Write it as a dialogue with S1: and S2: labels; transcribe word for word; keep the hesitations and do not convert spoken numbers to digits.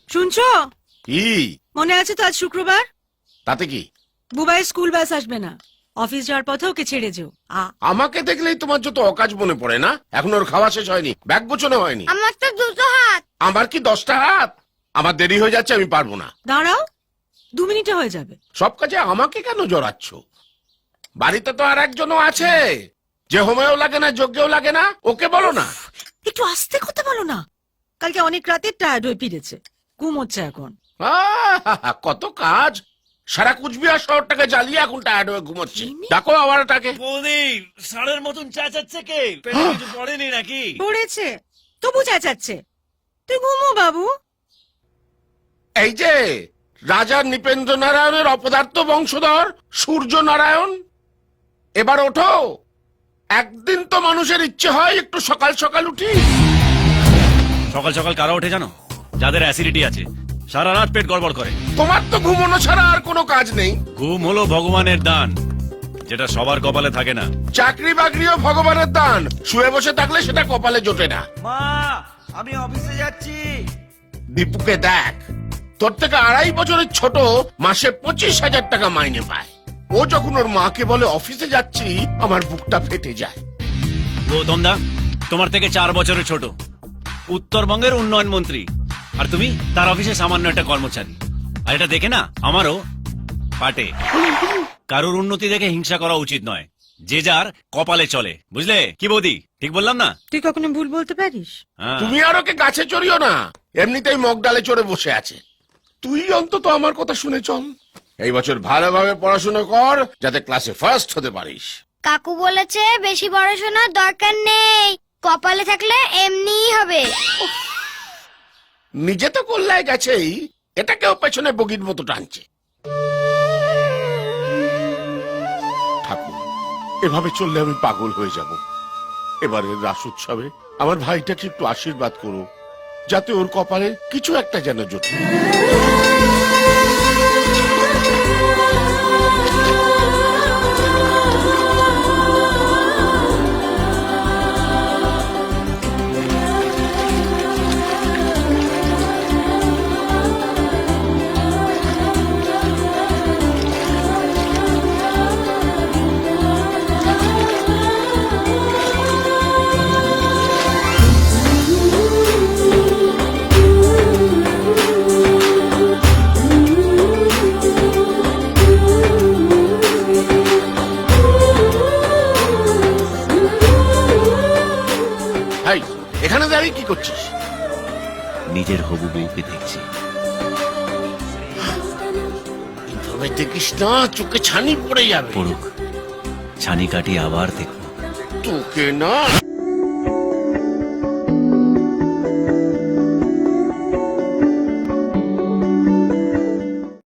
S1: শুনছো?
S2: কি
S1: মনে আছে তো আজ শুক্রবার?
S2: তাতে কি?
S1: বুবাই স্কুল বাস আসবে না, অফিস যাওয়ার পথে ওকে ছেড়ে যেও। আ-
S2: আমাকে দেখলেই তোমার যত অকাজ মনে পড়ে না? এখন ওর খাওয়া শেষ হয়নি, ব্যাগ গোছানো হয়নি।
S3: আমার তো দুটো হাত।
S2: আমার কি দশটা হাত? আমার দেরি হয়ে যাচ্ছে, আমি পারবো না।
S1: দাঁড়াও, দু মিনিটে হয়ে যাবে।
S2: সব কাজে আমাকে কেন জড়াচ্ছ? বাড়িতে তো আর একজনও আছে যে হোমেও লাগে না, যজ্ঞেও লাগে না। ওকে বলো না।
S1: একটু আস্তে কথা বলো না। কালকে অনেক রাতে টায়ার্ড হয়ে ফিরেছে, ঘুমোচ্ছে এখন।
S2: আহা, কত কাজ! সারা কুচবিহার শহরটাকে জ্বালিয়ে এখন টায়ার্ড হয়ে ঘুমোচ্ছি। ডাকো আবার তাকে।
S4: বৌদি ষাঁড়ের মতন চেঁচাচ্ছে কে? পেটে কিছু পড়েনি নাকি?
S1: পড়েছে, তবু চেঁচাচ্ছে। তুই ঘুমো বাবু।
S2: এই যে রাজা নৃপেন্দ্র নারায়ণের অপদার্থ বংশধর সূর্য নারায়ণ, এবার ওঠো। একদিন তো মানুষের ইচ্ছে হয় একটু সকাল সকাল উঠি।
S4: সকাল সকাল কারা ওঠে জানো? যাদের অ্যাসিডিটি আছে, সারা রাত পেট গড়বড় করে।
S2: তোমার তো ঘুমোনো ছাড়া আর কোনো কাজ নেই।
S4: ঘুম হলো ভগবানের দান, যেটা সবার কপালে থাকে না।
S2: চাকরি বাকরিও ভগবানের দান, শুয়ে বসে থাকলে সেটা কপালে জোটে না।
S5: মা, আমি অফিসে যাচ্ছি।
S2: দীপুকে দেখ, তোর থেকে আড়াই বছরের ছোট, মাসে পঁচিশ হাজার টাকা মাইনে পায়। ও যখন ওর মাকে বলে অফিসে যাচ্ছি, আমার বুকটা ফেটে যায়।
S4: গৌতম দা তোমার থেকে চার বছরের ছোট, উত্তরবঙ্গের উন্নয়ন মন্ত্রী, আর তুমি তার অফিসে সামান্য একটা কর্মচারী। আর এটা দেখে না আমারও পাটে। কারোর উন্নতি দেখে হিংসা করা উচিত নয়, যে যার কপালে চলে, বুঝলে কি বৌদি? ঠিক বললাম না?
S1: তুই কখনো ভুল বলতে পারিস?
S4: হ্যাঁ।
S2: তুমি আর ওকে গাছে চড়িও না, এমনিতেই মগ ডালে চড়ে বসে আছে। তুই অন্তত আমার কথা শুনে চল। এই বছর ভালোভাবে পড়াশোনা কর, যাতে ক্লাসে ফার্স্ট হতে পারিস।
S3: কাকু বলেছে বেশি পড়াশোনার দরকার নেই, কপালে থাকলে এমনিই হবে।
S2: নিজে তো কল্যায় গেছেই, এটাকেও পেছনে বগির মতো টানছে। ঠাকুর, এভাবে চললে আমি পাগল হয়ে যাব। এবারের রাস উৎসবে আমার ভাইটাকে একটু আশীর্বাদ করো, যাতে ওর কপালে কিছু একটা যেন জোটে। ভাই, এখানে দাঁড়িয়ে কি করছিস?
S4: নিজের হবু বউকে দেখছি।
S2: এইভাবে দেখিস না, চোখে ছানি পড়ে যাবে।
S4: পড়ুক, ছানি কাটি আবার দেখবো।
S2: তোকে না